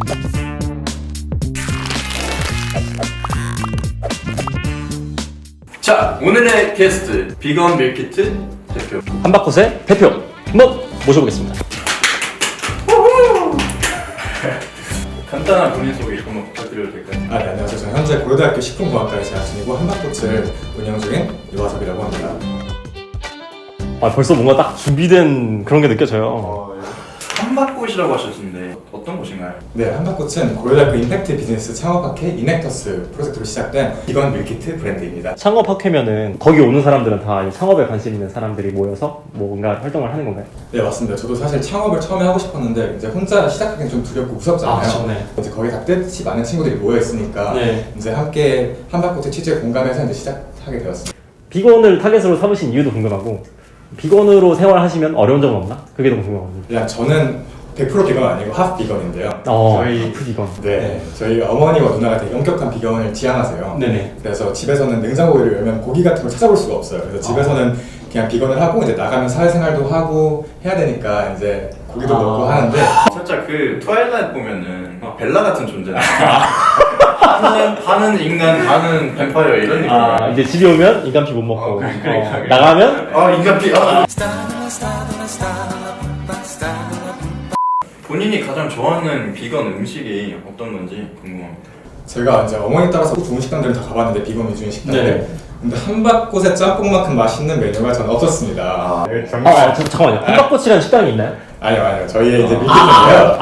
자, 오늘의 게스트 비건 밀키트 대표 한바꽃의 대표 한번 모셔보겠습니다. 간단한 본인 소개 한번 부탁드려도 될까요? 네, 안녕하세요. 저는 현재 고려대학교 식품공학과에 재학 중이고 한바꽃을 운영 중인 유화섭이라고 합니다. 벌써 뭔가 딱 준비된 그런 게 느껴져요. 한바꽃이라고 하셨는데 어떤 곳인가요? 네, 한바꽃은 고려대학교 임팩트 비즈니스 창업학회 이넥터스 프로젝트로 시작된 비건 밀키트 브랜드입니다. 창업학회면은 거기 오는 사람들은 다 창업에 관심 있는 사람들이 모여서 뭔가 활동을 하는 건가요? 네, 맞습니다. 저도 사실 창업을 처음에 하고 싶었는데 이제 혼자 시작하기는 좀 두렵고 무섭잖아요. 네. 이제 거기 다 뜻이 많은 친구들이 모여 있으니까 네. 이제 함께 한바꽃의 취지에 공감해서 이제 시작하게 되었습니다. 비건을 타겟으로 삼으신 이유도 궁금하고, 비건으로 생활하시면 어려운 점은 없나? 그게 너무 궁금합니다. 그냥 저는 100% 비건 아니고 하프 비건인데요. 저희 비건. 네, 저희 어머니와 누나가 되게 엄격한 비건을 지향하세요. 네네. 그래서 집에서는 냉장고를 열면 고기 같은 걸 찾아볼 수가 없어요. 그래서 집에서는 그냥 비건을 하고 이제 나가면 사회생활도 하고 해야 되니까 이제 고기도 먹고 하는데 살짝 그 트와일라이트 보면은 벨라 같은 존재나 반은 인간 반은 뱀파이어 이런 느낌. 이제 집에 오면 인간피 못 먹고 그래. 나가면 인간피. 본인이 가장 좋아하는 비건 음식이 어떤 건지 궁금합니다. 제가 이제 어머니 따라서 좋은 식당들은 다 가봤는데 비건 위주인 식당들. 네. 근데 한바꽃의 짬뽕만큼 맛있는 메뉴가 저는 없었습니다. 잠깐만요. 한바꽃이라는 식당이 있나요? 아니요. 저희의 이제 밀키트인데요.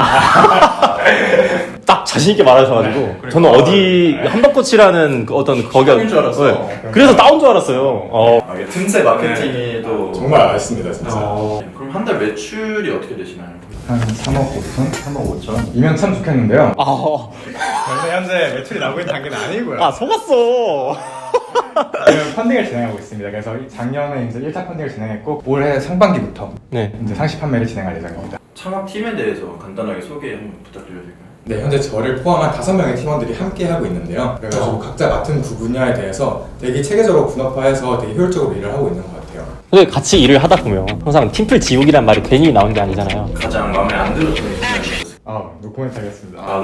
딱 자신있게 말하셔가지고 저는 어디 한바꽃이라는 그 어떤 거기가 식당인 줄 알았어. 네. 그래서 따온 줄 알았어요. 이게 틈새 마케팅이 또 정말 맛있습니다, 진짜. 그럼 한 달 매출이 어떻게 되시나요? 한 3억 5천? 3억 5천? 이면 참 좋겠는데요. 저희는 현재 매출이 나오고 있는 단계는 아니고요. 속았어. 지금 펀딩을 진행하고 있습니다. 그래서 작년에 이제 1차 펀딩을 진행했고 올해 상반기부터 네. 이제 상시 판매를 진행할 예정입니다. 창업팀에 대해서 간단하게 소개 한번 부탁드려도 될까요? 네, 현재 저를 포함한 5명의 팀원들이 함께 하고 있는데요. 그래가지고 각자 맡은 분야에 대해서 되게 체계적으로 분업화해서 되게 효율적으로 일을 하고 있는 것 같아요. 근데 같이 일을 하다 보면 항상 팀플 지옥이란 말이 괜히 나온 게 아니잖아요. 가장 마음에 안 들었던 순간이었어요. 노코멘트 하겠습니다.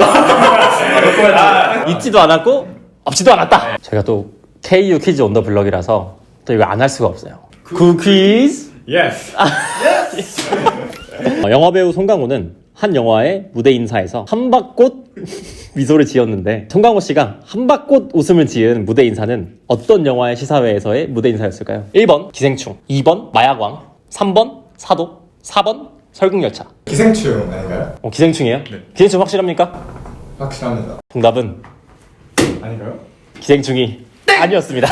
있지도 않았고 없지도 않았다. 제가 또 KU 퀴즈 온 더 블럭이라서 또 이거 안 할 수가 없어요. 퀴즈. 예스! 영화배우 송강호는 한 영화의 무대 인사에서 한박꽃 미소를 지었는데 송강호 씨가 한박꽃 웃음을 지은 무대 인사는 어떤 영화의 시사회에서의 무대 인사였을까요? 1번 기생충, 2번 마약왕, 3번 사도, 4번 설국열차. 기생충 아닌가요? 기생충이에요? 네. 기생충 확실합니까? 확실합니다. 정답은 아닌가요? 기생충이 아니었습니다.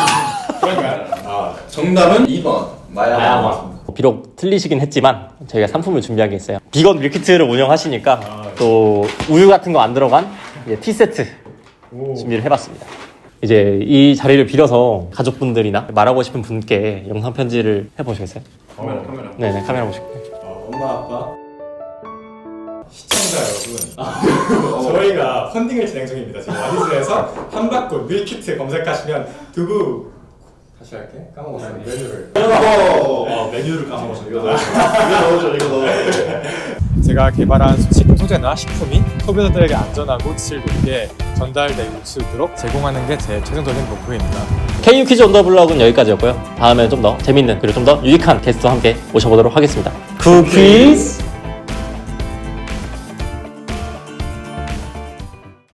정답은 2번 마야왕. 비록 틀리시긴 했지만 저희가 상품을 준비한 게 있어요. 비건 밀키트를 운영하시니까 또 우유 같은 거 안 들어간 티세트 준비를 해봤습니다. 이제 이 자리를 빌어서 가족분들이나 말하고 싶은 분께 영상 편지를 해보시겠어요? 카메라. 네네, 카메라 보시고. 엄마, 아빠, 시청자 여러분, 저희가 펀딩을 진행 중입니다. 지금 와디즈에서 한바꽃 밀키트 검색하시면 두부 다시 할게. 까먹었어요. 메뉴를. 메뉴를 까먹었어. 이거 넣어줘. 제가 개발한 식품 소재나 식품이 소비자들에게 안전하고 질 높게 전달될 수 있도록 제공하는 게 제 최종적인 목표입니다. KU 퀴즈 온 더 블럭은 여기까지였고요. 다음에 좀 더 재밌는 그리고 좀 더 유익한 게스트와 함께 모셔보도록 하겠습니다. 퀴즈